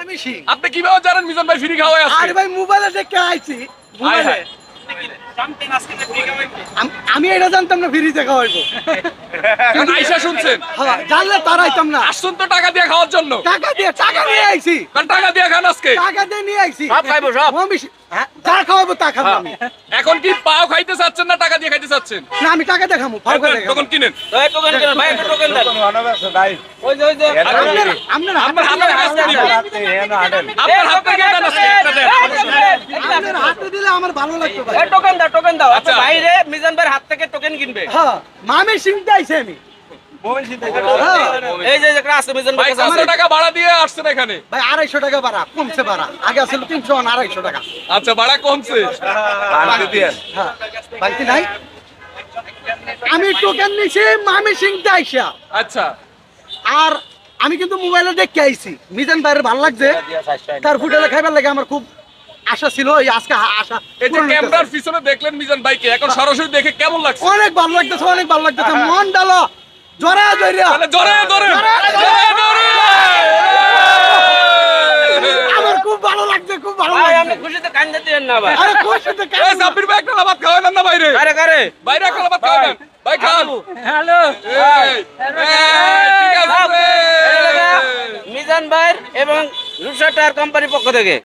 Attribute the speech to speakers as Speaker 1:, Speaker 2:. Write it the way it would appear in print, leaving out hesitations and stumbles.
Speaker 1: আমি শিখ।
Speaker 2: আপনি কিভাবে জানেন মিজান ভাই ফ্রি খাওয়ায় আছে?
Speaker 1: আরে ভাই মোবাইলে দেখে আইছি মোবাইলে। আমি এটা জানতাম না ফ্রিতে খাওয়াইবো।
Speaker 2: এখন আইসা শুনছেন?
Speaker 1: হ্যাঁ, জানলে তার আইতাম না।
Speaker 2: আসুন তো টাকা দিয়ে খাওয়ার জন্য।
Speaker 1: টাকা নিয়ে আইছি।
Speaker 2: কারণ টাকা দিয়ে খান আজকে।
Speaker 1: টাকা দিয়ে নিয়ে আইছি।
Speaker 3: সব খাইবো সব।
Speaker 1: হ্যাঁ, যা খাওয়াবো তা খাবো আমি।
Speaker 2: এখন কি পাও খাইতে চাচ্ছেন না টাকা দিয়ে খাইতে চাচ্ছেন?
Speaker 1: না আমি টাকা দেখামু, ফাও করে দেখামু।
Speaker 2: তখন কিনেন।
Speaker 3: এই টোকেন কেন ভাই, একটা টোকেন দেন। ওই যে
Speaker 1: আপনার
Speaker 2: আপনার
Speaker 1: হাতে
Speaker 2: হাতে
Speaker 1: দিলে
Speaker 2: আজকে দিব। আপনার হাত থেকে দেন আজকে একটা দেন।
Speaker 1: আপনার হাতে দিলে আমার ভালো লাগতো ভাই।
Speaker 3: এই টোকেন দাও।
Speaker 2: আচ্ছা।
Speaker 3: আচ্ছা ভাই রে, মিজান ভাইয়ের হাত থেকে টোকেন কিনবে।
Speaker 1: হ্যাঁ, মামি সিংতে আইছি আমি।
Speaker 3: এই যে একটা আছে মিজান
Speaker 2: ভাই
Speaker 3: ভাই কাছে
Speaker 2: 500
Speaker 3: আছে।
Speaker 2: টাকা ভাড়া দিয়ে আসছেন এখানে।
Speaker 1: ভাই 250 টাকা ভাড়া, কমছে ভাড়া। আগে ছিল 300, 250 টাকা।
Speaker 2: আচ্ছা ভাড়া কমছে।
Speaker 1: হ্যাঁ, বাড়তি নাই। আমি টোকেন নিছি মামি সিংতে আইসা।
Speaker 2: আচ্ছা
Speaker 1: আর আমি কিন্তু মোবাইলে দেখে আইছি মিজান ভাইয়ের ভালো লাগছে, তার হোটেলে খাইবার লাগে আমার খুব আশা ছিল। এই আজকে আশা
Speaker 2: এই যে
Speaker 1: পূরণ হইতেছে।
Speaker 2: ক্যামেরার পিছনে দেখলেন মিজান ভাইকে, এখন সরাসরি দেখে কেমন লাগছে?
Speaker 1: অনেক ভালো লাগতেছে, অনেক ভালো লাগতেছে। মন ডালো জোরে জোরে
Speaker 2: তাহলে জোরে জোরে জোরে
Speaker 1: আমার খুব ভালো লাগছে, খুব ভালো
Speaker 3: ভাই আপনি
Speaker 1: লাগছে।
Speaker 3: খুশিতে কান্দে দিবেন না ভাই।
Speaker 1: আরে খুশিতে
Speaker 2: এই
Speaker 1: কেমন
Speaker 2: সাব্বির ভাই একটা লাভাত খাওয়ালেন না বাইরে?
Speaker 3: কারে
Speaker 2: বাইরে একটা লাভাত খাওয়ালেন। ভাই খান।
Speaker 3: হ্যালো
Speaker 2: ঠিক আছে।
Speaker 3: মিজান ভাই এবং রূপসা টায়ার কোম্পানির পক্ষ থেকে